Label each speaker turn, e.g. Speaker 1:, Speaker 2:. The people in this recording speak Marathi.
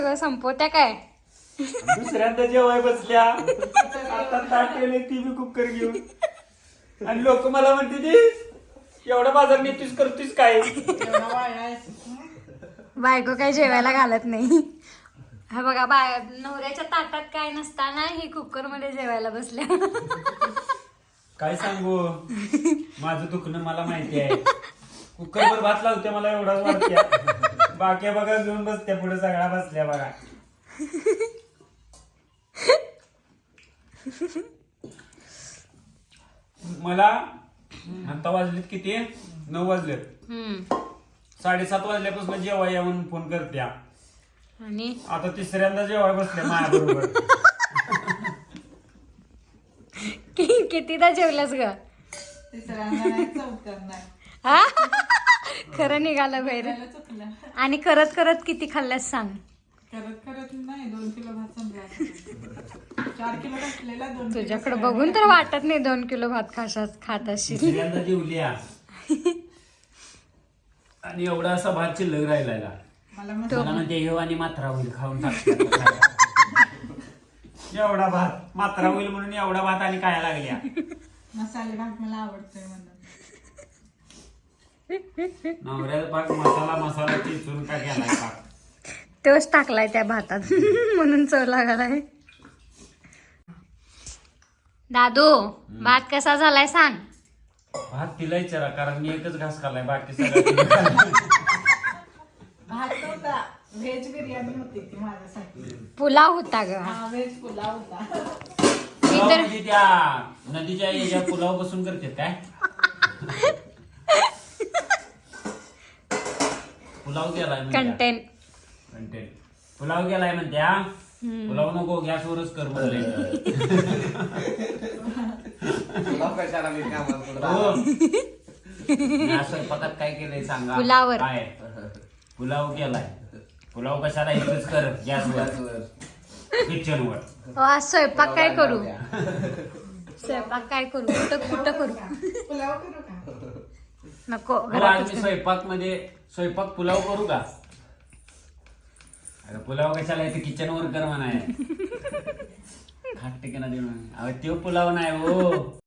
Speaker 1: सगळं संपवत्या काय?
Speaker 2: दुसऱ्यांदा जेवाय बसल्या आता ताट केले ती बी कुकर घेऊन आणि लोक मला म्हणते ती एवढा बाजार नेतीस करतीस काय?
Speaker 1: बायको काय जेवायला घालत नाही. हा बघा नवऱ्याच्या ताटात काय नसताना ही कुकर मध्ये जेवायला बसल्या.
Speaker 2: काय सांगू माझं दुखणं मला माहिती आहे. कुकरवर भात लावते मला एवढाच वाटत्या. बाक्या बघा घेऊन बसत्या पुढे सगळ्या बसल्या बघा. मला आता वाजलेत किती 9 वाजलेत. 7:30 वाजल्यापासून जेव्हा या म्हणून फोन करत्या
Speaker 1: आणि
Speaker 2: आता तिसऱ्यांदा जेव्हा बसल्या माझ्या बरोबर.
Speaker 1: कितीदा जेवल्यास ग? हा खरं निघालं बाहेर. आणि करत करत किती खाल्ल्यास सांग?
Speaker 3: करत नाही 2 किलो भात संपला. 4 किलो घातलेला 2 किलो.
Speaker 1: तुझ्याकडे बघून तर वाटत नाही 2 किलो भात खात असशील.
Speaker 2: तिसऱ्यांदा जेवल्या आणि एवढा असा भात शिल्लक राहिला.
Speaker 3: मला
Speaker 2: मला म्हणते हे आणि मात्रा होईल खाऊन टाकतात. एवढा भात मात्रा होईल म्हणून एवढा भात आणि काय लागल्या.
Speaker 3: मसाले भात मला आवडतोय म्हणून.
Speaker 2: नवऱ्याचा पाक मसाला चिचून का केलाय पाक.
Speaker 1: तोच टाकलाय त्या भातात म्हणून चव लागलाय. दादू भात कसा झालाय सांग?
Speaker 2: भात तिला विचारा कारण मी एकच घास खाल्लाय बाकी सगळं.
Speaker 3: भात नव्हता व्हेज बिर्याणी होती ती माझ्यासाठी.
Speaker 1: पुलाव होता ग.
Speaker 3: हा व्हेज पुलाव होता.
Speaker 2: पुलाव म्हणजे त्या नदीच्या याच्या पुलाव बसून करतात काय? पुलाव केलाय
Speaker 1: कंटेंट
Speaker 2: पुलाव केलाय म्हणत्या. पुलाव नको गॅसवरच कर म्हणले. स्वयंपाकात काय केलंय सांगा?
Speaker 1: पुलावर.
Speaker 2: काय पुलाव केलाय. पुलाव कशाला एकच कर गॅसवर किचनवर.
Speaker 1: आज स्वयंपाक काय करू? स्वयंपाक काय करू? कुठं करू?
Speaker 3: पुलाव करू का?
Speaker 1: नको
Speaker 2: आज
Speaker 1: घरातच
Speaker 2: मी स्वयंपाक पुलाव करू का? अरे पुलाव कशाला येते किचनवर कर म्हणाय. खाट टिकना देऊ. अहो तो पुलाव नाही हो.